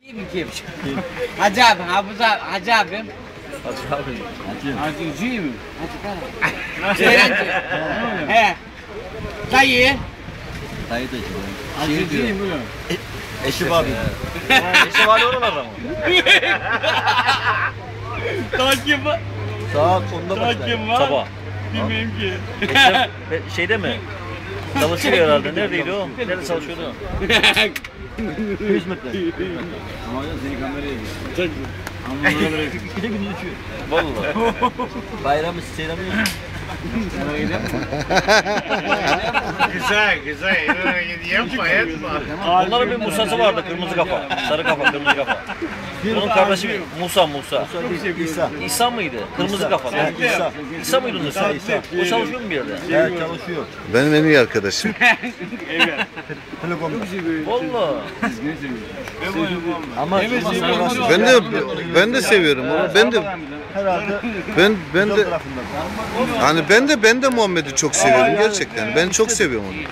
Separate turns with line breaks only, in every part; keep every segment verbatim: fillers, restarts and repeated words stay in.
Kim? Hacı abi, Hafız abi, Hacı abim.
Hacı abi. Hacı.
Hacıcı mı? Hacı Ceylancı. He. Dayı.
Dayı da işte.
Hacıcı mı?
Eşi var. Eşi var oralarda mı?
Takip var.
Saat onda başlar.
Takip var.
Sabah.
Bilmiyorum ki.
Eşi şeyde mi? Çalışıyor herhalde. Neredeydi o? Nerede çalışıyordu? yüz metre.
Ama hocam seni kameraya gir. Ama
İki de gündüz uçuyor. Vallahi. Bayramı seyiremiyorsun.
Güzel güzel. Yapma yapma.
Onların bir Musa'sı vardı, kırmızı kafa. Sarı kafa, kırmızı kafa. Onun kardeşi Musa, Musa.
İsa.
İsa mıydı? Kırmızı kafalı.
İsa.
İsa mıydı onun ismi?
İsa.
O çalışıyor mu bir yerde?
Evet çalışıyor.
Benim en iyi arkadaşım.
Telekomda.
Vallahi.
Ama
Ben de ben de seviyorum onu. Ben de
herhalde
ben ben de
tarafından.
hani ben de ben de Muhammed'i çok seviyorum gerçekten. Ben çok seviyorum onu.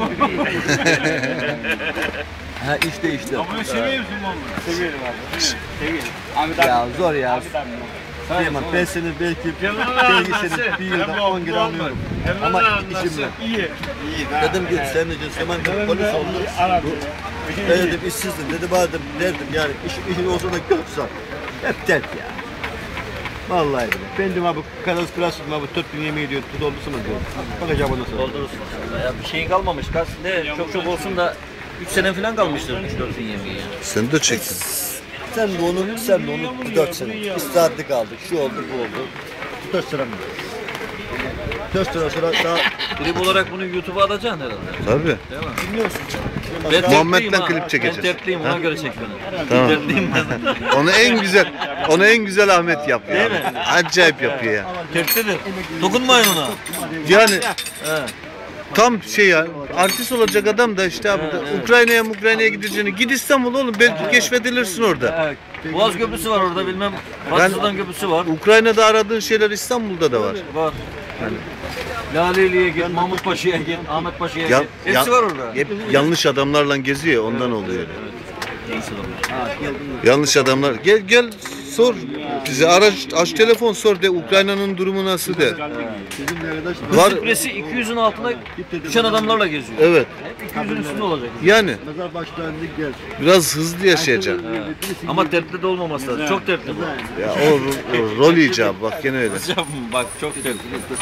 Ha işte işte.
Ama seviyor musun Muhammed? Seviyorum abi. Seviyorum. Ahmet abi.
Ya zor ya. Süleyman ben seni belki belki seni bir yılda on kilo alıyorum. Ama işim yok.
İyi.
Dedim ki sen de Süleyman dedim, polis oldun. Ben dedim işsizdim dedim dedim derdim yani iş, işin olsa da götürsen. Hep dert ya. Vallahi dedim. Ben dedim abi karas kırasın abi dört bin yemeği diyor tut olursa mı diyor. Bakacağım ondan sonra.
Doldurursun. Ya bir şeyin kalmamış. Kaç ne çok çok olsun da üç sene falan kalmıştır üç dört bin yemeği.
Sen de çektin.
Sen de onu, sen de onu dört sene. İstirahatli kaldık, şu oldu, bu oldu. dört sene mi? dört sene sonra daha...
Klip olarak bunu YouTube'a atacaksın herhalde.
Tabii.
Değil mi?
Bilmiyorsun.
Ben
Muhammed'den
dertliyim ha.
klip çekeceğiz.
Ben dertliyim ona göre çek beni.
Tamam.
Dertliyim ben.
Onu en güzel onu en güzel Ahmet yapıyor.
Değil mi?
Acayip yapıyor ya.
Dertlidir. Dokunmayın ona.
Yani
He.
tam şey ya artist olacak adam da işte abi Ukrayna'ya Ukrayna'ya gideceğini git İstanbul oğlum belki keşfedilirsin orada.
Evet. Boğaz Köprüsü var orada bilmem. Batısı'dan Köprüsü var.
Ukrayna'da aradığın şeyler İstanbul'da da var.
Var.
Yani.
Laleli'ye git, Mahmut Paşa'ya git, Ahmet Paşa'ya
Ya-
git. Hepsi
ya-
var orada.
Hep yanlış adamlarla geziyor ondan oluyor.
Neyse oğlum.
Yanlış adamlar. Gel gel sor. Bize araç aç telefon sor de Ukrayna'nın durumu nasıl de.
Bizim bir arkadaş
Hız
Var.
kütlesi iki yüzün altına düşen adamlarla geziyor.
Evet.
Hep iki yüzün üstünde olacak.
Yani
mezar başlarında gel.
biraz hızlı yaşayacak.
Ama dertli de olmaması lazım. Çok dertli bu.
Ya o, o rol icabı bak gene öyle.
Bak çok dertli.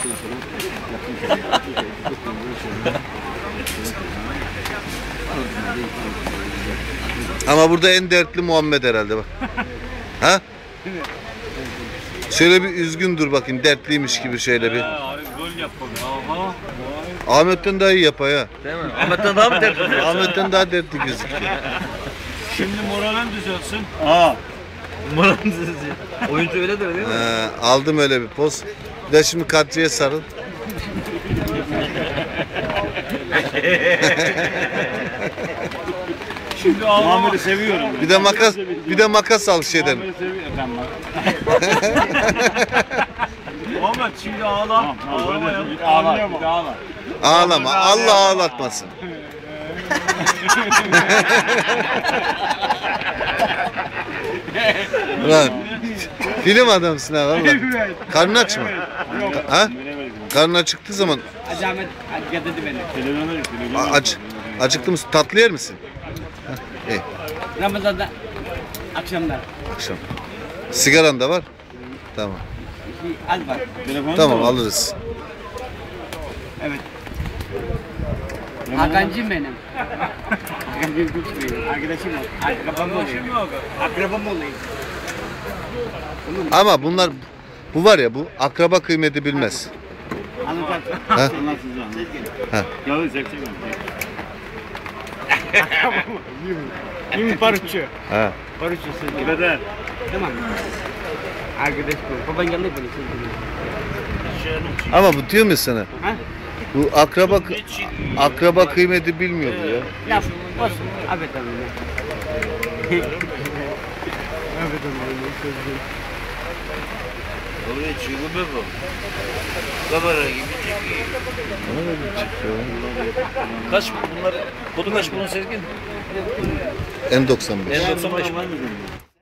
Ama burada en dertli Muhammed herhalde bak. Ha? Şöyle bir üzgün dur bakayım dertliymiş gibi şöyle bir.
Abi gol yap bakalım.
Ahmet'ten daha iyi yapar ya.
Değil mi? Ahmet'ten daha mı dertli?
Ahmet'ten daha dertli gözüküyor.
Şimdi moralin düzelsin.
Oyuncu öyle der değil mi?
Ee, aldım öyle bir poz. Bir de şimdi Kadriye sarıl.
Şimdi Muhammed'i seviyorum.
Bir de makas, bir de makas al şeyden.
Muhammed'i seviyorum. Ben Muhammed şimdi ağla. Ağlama ya. Ağla. Bir ağla.
Ağlama. Allah ağlatmasın. Ulan film adamsın ha valla. Karnın aç mı? Ha? Karnın acıktığı zaman
Hacı Ahmet getirdi beni.
a- aç. Acıktı mısın? Tatlı yer misin? Ha, iyi.
Ramazan'da akşamlar.
Akşam. Sigaran da var. Tamam.
Az var.
Tamam alırız.
Evet. Hakan'cım benim. Hakan'cım küçük benim. Arkadaşım o. Akrabam oluyor. Akrabam oluyor.
Ama bunlar bu var ya bu akraba kıymeti bilmez.
Anlatacaksın.
Ha?
Anlatacaksın.
Ha.
Yalnız çekecek mi? Kim parçu?
Ha.
Parçu sen. Beden. Tamam. Arkadaş bu. Baban geldi beni.
Ama bu diyor mu sana?
Ha?
Bu akraba akraba kıymeti bilmiyor bu ya.
Ya olsun. Abi tamam. Abi tamam.
Oraya çıkıyor bu. Kamera gibi çekiyor.
Kaç bunlar? Kodu kaç bunun Sezgin?
N doksan beş.
N doksan beş.